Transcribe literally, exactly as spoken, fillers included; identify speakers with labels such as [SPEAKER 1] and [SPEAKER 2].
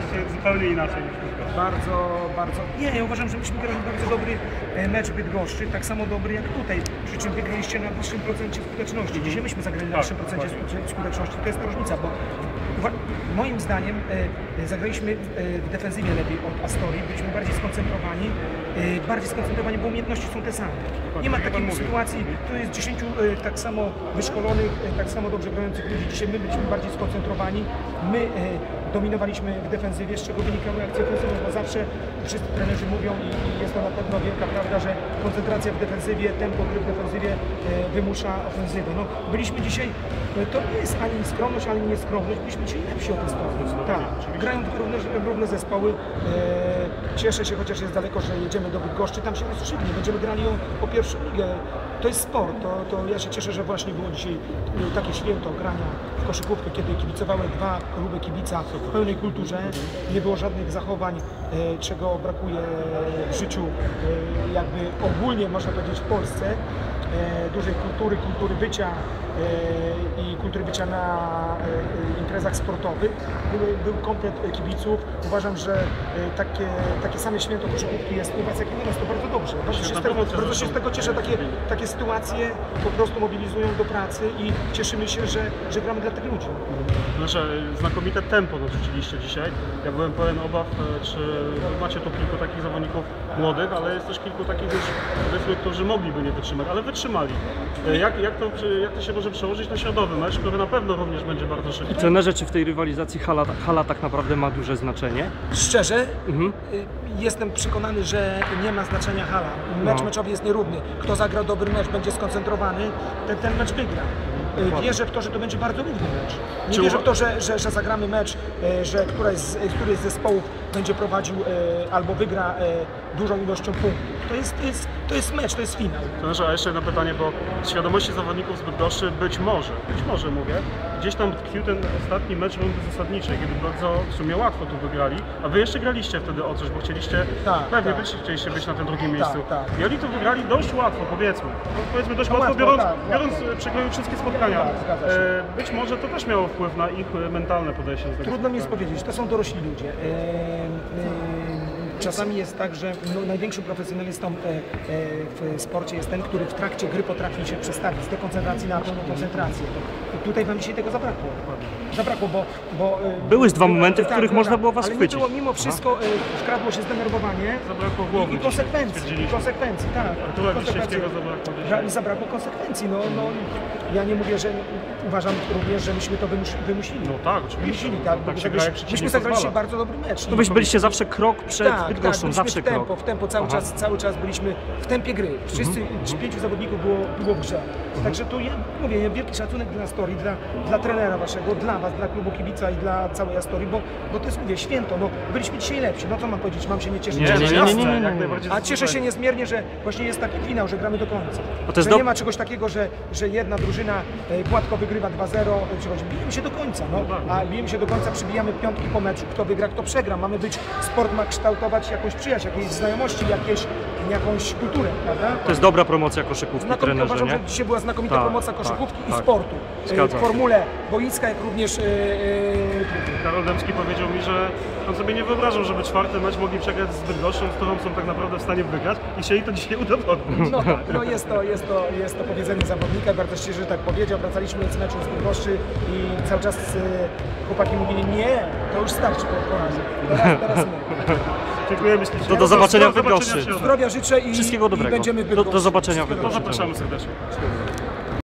[SPEAKER 1] się zupełnie inaczej niż Bydgoszcz.
[SPEAKER 2] Bardzo, bardzo... Nie, ja uważam, że myśmy grali bardzo dobry mecz w Bydgoszczy, tak samo dobry jak tutaj, przy czym wygraliście na wyższym procencie skuteczności. Dzisiaj myśmy zagrali na
[SPEAKER 1] Tak,
[SPEAKER 2] wyższym procencie skuteczności, to jest ta różnica, bo moim zdaniem e, zagraliśmy w defensywie lepiej od Astorii, byliśmy bardziej skoncentrowani, e, bardziej skoncentrowani, bo umiejętności są te same. Nie ma takiej sytuacji, tu jest dziesięciu e, tak samo wyszkolonych, e, tak samo dobrze grających ludzi. Dzisiaj my byliśmy bardziej skoncentrowani, my e, dominowaliśmy w defensywie, z czego wynikały akcje ofensywne, bo zawsze wszyscy trenerzy mówią i, i jest to na pewno wielka prawda, że koncentracja w defensywie, tempo gry w defensywie e, wymusza ofensywę. No, byliśmy dzisiaj, e, to nie jest ani skromność, ani nieskromność, byliśmy dzisiaj lepsi o ten sposób. Tak, grają dwa równe, równe zespoły. E, cieszę się, chociaż jest daleko, że jedziemy do Bydgoszczy, tam się rozstrzygnie, będziemy grali o, o pierwszą ligę. To jest sport, to, to ja się cieszę, że właśnie było dzisiaj takie święto grania w koszykówkę, kiedy kibicowały dwa kluby kibica w pełnej kulturze, nie było żadnych zachowań, e, czego brakuje w życiu, e, jakby ogólnie można powiedzieć w Polsce, e, dużej kultury, kultury bycia e, i kultury bycia na e, imprezach sportowych. Był, był komplet kibiców. Uważam, że e, takie, takie same święto koszykówki jest u Was jak u nas, to bardzo dobrze. Bardzo się, z tego, bardzo się z tego cieszę, takie, takie sytuacje po prostu mobilizują do pracy i cieszymy się, że, że gramy dla tych ludzi.
[SPEAKER 1] Znaczy, znakomite tempo narzuciliście dzisiaj. Ja byłem pełen obaw, czy macie tu kilku takich zawodników młodych, ale jest też kilku takich już, powiedzmy, którzy mogliby nie wytrzymać, ale wytrzymali. Jak, jak, to, jak to się może przełożyć na środowy mecz, który na pewno również będzie bardzo szybki?
[SPEAKER 3] Trenerze, czy w tej rywalizacji hala, hala tak naprawdę ma duże znaczenie?
[SPEAKER 2] Szczerze,
[SPEAKER 3] Mhm.
[SPEAKER 2] jestem przekonany, że nie ma znaczenia hala. Mecz
[SPEAKER 3] No.
[SPEAKER 2] meczowy jest nierówny. Kto zagra dobry mecz, będzie skoncentrowany, ten, ten mecz wygra. Wierzę w to, że to będzie bardzo równy mecz. Nie
[SPEAKER 1] Czy
[SPEAKER 2] wierzę
[SPEAKER 1] uwa-
[SPEAKER 2] w to, że, że, że zagramy mecz, e, że któraś z, któryś z zespołów będzie prowadził e, albo wygra e, dużą ilością punktów. To jest, to, jest, to jest mecz, to jest finał.
[SPEAKER 1] Trenerze, a jeszcze jedno pytanie, bo z świadomości zawodników z Bydgoszczy być może, być może mówię, gdzieś tam tkwił ten ostatni mecz rundy zasadniczej, kiedy bardzo w sumie łatwo tu wygrali, a Wy jeszcze graliście wtedy o coś, bo chcieliście,
[SPEAKER 2] Tak,
[SPEAKER 1] pewnie
[SPEAKER 2] tak.
[SPEAKER 1] Wy chcieliście być na tym drugim miejscu.
[SPEAKER 2] tak.
[SPEAKER 1] I oni to wygrali dość łatwo, powiedzmy. No, powiedzmy dość
[SPEAKER 2] No
[SPEAKER 1] łatwo,
[SPEAKER 2] łatwo,
[SPEAKER 1] biorąc,
[SPEAKER 2] tak,
[SPEAKER 1] biorąc
[SPEAKER 2] łatwo.
[SPEAKER 1] e, przekroju wszystkie spotkania.
[SPEAKER 2] Tak, zgadza się.
[SPEAKER 1] E, być może to też miało wpływ na ich e, mentalne podejście do tego
[SPEAKER 2] Trudno mi jest
[SPEAKER 1] spotkania.
[SPEAKER 2] powiedzieć, to są dorośli ludzie. E, e, Czasami jest tak, że no, największym profesjonalistą e, e, w sporcie jest ten, który w trakcie gry potrafi się przestawić z dekoncentracji na pełną koncentrację. I tutaj Wam dzisiaj tego zabrakło. Zabrakło, bo... bo e,
[SPEAKER 3] Były dwa
[SPEAKER 2] były-
[SPEAKER 3] momenty, w
[SPEAKER 2] tak,
[SPEAKER 3] których
[SPEAKER 2] tak,
[SPEAKER 3] można
[SPEAKER 2] tak.
[SPEAKER 3] było Was
[SPEAKER 2] ale
[SPEAKER 3] chwycić.
[SPEAKER 2] Nie było, mimo wszystko e, wkradło się zdenerwowanie
[SPEAKER 1] Zabrakło głowy
[SPEAKER 2] i, i
[SPEAKER 1] dzisiaj,
[SPEAKER 2] konsekwencji. I
[SPEAKER 1] stwierdziliśmy.
[SPEAKER 2] konsekwencji, tak.
[SPEAKER 1] Artura
[SPEAKER 2] Konsekwencje.
[SPEAKER 1] Wiśniewskiego zabrakło dzisiaj.
[SPEAKER 2] Ra- Zabrakło konsekwencji. No, no, ja nie mówię, że uważam również, że myśmy to wymus wymusili.
[SPEAKER 1] No tak, oczywiście.
[SPEAKER 2] Wymusili, tak,
[SPEAKER 1] Tak
[SPEAKER 2] bo
[SPEAKER 1] się
[SPEAKER 2] myśmy,
[SPEAKER 1] gra, jak przeciwnik
[SPEAKER 2] myśmy zagraliście
[SPEAKER 1] pozwala.
[SPEAKER 2] bardzo dobry mecz.
[SPEAKER 3] No byś byliście zawsze krok przed
[SPEAKER 2] tak,
[SPEAKER 3] Bydgoszczą,
[SPEAKER 2] tak,
[SPEAKER 3] zawsze
[SPEAKER 2] w tempo,
[SPEAKER 3] krok.
[SPEAKER 2] w tempo, cały
[SPEAKER 3] Aha.
[SPEAKER 2] czas, cały czas byliśmy w tempie gry. Wszyscy,
[SPEAKER 3] Mhm.
[SPEAKER 2] pięciu zawodników było, było w grze. Także tu ja mówię, wielki szacunek dla Astorii, dla, dla trenera waszego, dla was, dla klubu kibica i dla całej Astorii, bo, bo to jest, mówię, święto. No, byliśmy dzisiaj lepsi. No co mam powiedzieć, mam się nie cieszyć.
[SPEAKER 1] Nie,
[SPEAKER 2] że
[SPEAKER 1] no
[SPEAKER 3] nie,
[SPEAKER 2] się
[SPEAKER 3] nie,
[SPEAKER 1] jasne,
[SPEAKER 3] nie, nie, nie,
[SPEAKER 1] jak
[SPEAKER 3] nie.
[SPEAKER 1] najbardziej
[SPEAKER 2] A cieszę się
[SPEAKER 1] zasłużenie.
[SPEAKER 2] niezmiernie, że właśnie jest taki finał, że gramy do końca.
[SPEAKER 3] A to jest
[SPEAKER 2] że
[SPEAKER 3] dob-
[SPEAKER 2] nie ma czegoś takiego, że, że jedna drużyna e, gładko wygrywa dwa zero, przychodzi. Bijemy się do końca, no. A bijemy się do końca, przybijamy piątki po meczu. Kto wygra, kto przegra. Mamy być, sport ma kształtować jakąś przyjaźń, jakieś znajomości, jakieś, jakąś kulturę, prawda?
[SPEAKER 3] To jest dobra promocja koszykówki,
[SPEAKER 2] Znakomicie
[SPEAKER 3] trenerze,
[SPEAKER 2] uważam,
[SPEAKER 3] nie?
[SPEAKER 2] że dzisiaj była znakomita
[SPEAKER 3] Tak,
[SPEAKER 2] promocja
[SPEAKER 3] tak,
[SPEAKER 2] koszykówki i
[SPEAKER 3] tak.
[SPEAKER 2] sportu. E,
[SPEAKER 3] Zgadzam
[SPEAKER 2] W
[SPEAKER 3] się.
[SPEAKER 2] formule boiska, jak również e, e,
[SPEAKER 1] Karol Dębski powiedział mi, że on sobie nie wyobrażał, żeby czwarty mecz mogli przegrać z Bydgoszczą, z którą są tak naprawdę w stanie wygrać i chcieli to dzisiaj udowodnić.
[SPEAKER 2] No tak, no jest to, jest to, jest to powiedzenie zawodnika, bardzo szczerze, że tak powiedział. Wracaliśmy z meczu z Bydgoszczy i cały czas e, chłopaki mówili, nie, to już starczy po porazie. Teraz, teraz my.
[SPEAKER 1] Dziękujemy ślicznie.
[SPEAKER 3] To do zobaczenia w
[SPEAKER 1] Do zobaczenia
[SPEAKER 3] Bydgoszczy.
[SPEAKER 1] w środę.
[SPEAKER 2] Zdrowia życzę i,
[SPEAKER 3] Wszystkiego
[SPEAKER 2] i
[SPEAKER 3] dobrego.
[SPEAKER 2] będziemy w
[SPEAKER 3] Do, do
[SPEAKER 2] Bydgoszczy.
[SPEAKER 3] zobaczenia w
[SPEAKER 2] Wszystkiego
[SPEAKER 3] Bydgoszczy.
[SPEAKER 1] Zapraszamy serdecznie.